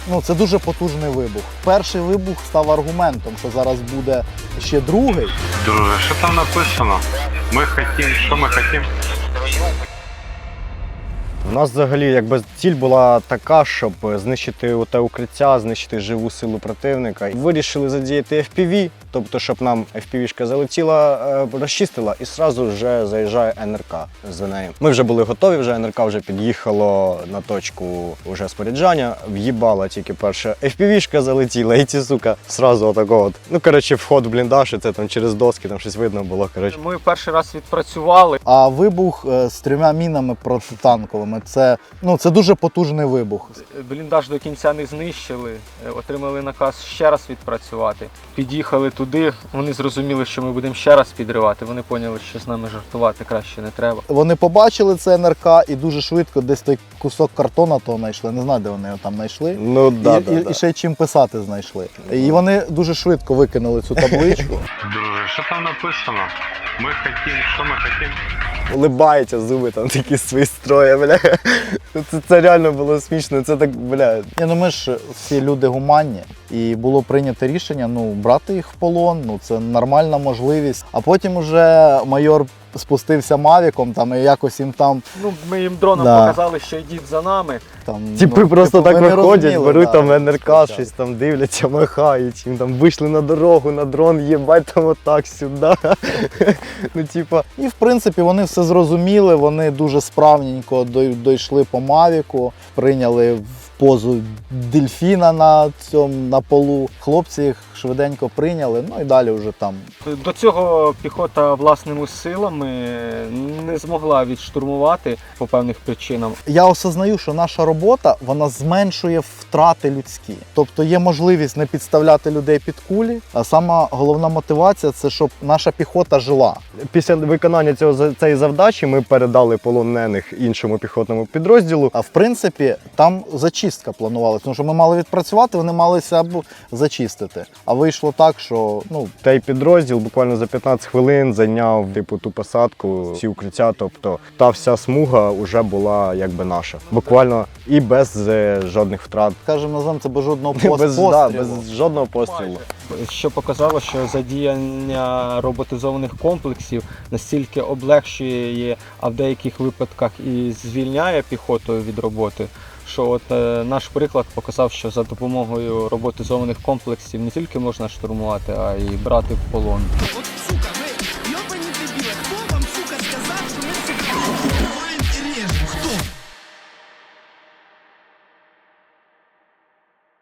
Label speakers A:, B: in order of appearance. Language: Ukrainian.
A: Ну, це дуже потужний вибух. Перший вибух став аргументом, що зараз буде ще другий.
B: Друже, що там написано? Ми хотім, що ми хотім?
C: У нас взагалі якби ціль була така, щоб знищити те укриття, знищити живу силу противника. Вирішили задіяти FPV, тобто щоб нам FPV-шка залетіла, розчистила і одразу вже заїжджає НРК за нею. Ми вже були готові, вже НРК вже під'їхало на точку вже споряджання, в'їбала тільки перша FPV-шка залетіла і ці, сука, одразу отако от. Ну, коротше, вход в бліндаж, і це там через доски, там щось видно було, коротше.
D: Ми перший раз відпрацювали.
A: А вибух з 3 мінами протитанковими – це дуже потужний вибух.
D: Бліндаж до кінця не знищили, отримали наказ ще раз відпрацювати. Під'їхали туди, вони зрозуміли, що ми будемо ще раз підривати. Вони поняли, що з нами жартувати краще не треба.
A: Вони побачили це НРК і дуже швидко десь той кусок картона того знайшли. Не знаю, де вони його там знайшли.
C: Ну, да,
A: І ще й чим писати знайшли. І вони дуже швидко викинули цю табличку.
B: Друже, що там написано? Ми хотім, що ми хотім?
C: Улибається, зуби там такі свої строє, бля. Це реально було смішно, це так, бля.
A: Ми ж всі люди гуманні, і було прийнято рішення брати їх в полон, це нормальна можливість. А потім уже майор спустився мавіком і якось їм там...
D: Ми їм дроном показали, що йдіть за нами.
C: Типи просто так
A: вони
C: виходять,
A: розуміли,
C: беруть там НРК, щось там дивляться, махають, їм там вийшли на дорогу, на дрон, їбать там отак сюди.
A: І в принципі вони все зрозуміли, вони дуже справненько дійшли по мавіку, прийняли в позу дельфіна на полу. Хлопці їх швиденько прийняли, і далі вже там.
D: До цього піхота власними силами не змогла відштурмувати по певних причинам.
A: Я осознаю, що наша робота, вона зменшує втрати людські. Тобто є можливість не підставляти людей під кулі, а сама головна мотивація – це щоб наша піхота жила.
C: Після виконання цієї завдачі ми передали полонених іншому піхотному підрозділу.
A: А в принципі, там зачистка планувалася, тому що ми мали відпрацювати, вони мали себе зачистити. А вийшло так, що
C: Той підрозділ буквально за 15 хвилин зайняв ту посадку, всі укриття, тобто та вся смуга вже була якби наша. Буквально і без жодних втрат.
A: скажімо, називаємо це без жодного
C: Без
A: пострілу.
C: жодного пострілу.
D: Що показало, що задіяння роботизованих комплексів настільки облегшує, а в деяких випадках і звільняє піхоту від роботи, що наш приклад показав, що за допомогою роботизованих комплексів не тільки можна штурмувати, а й брати в полон.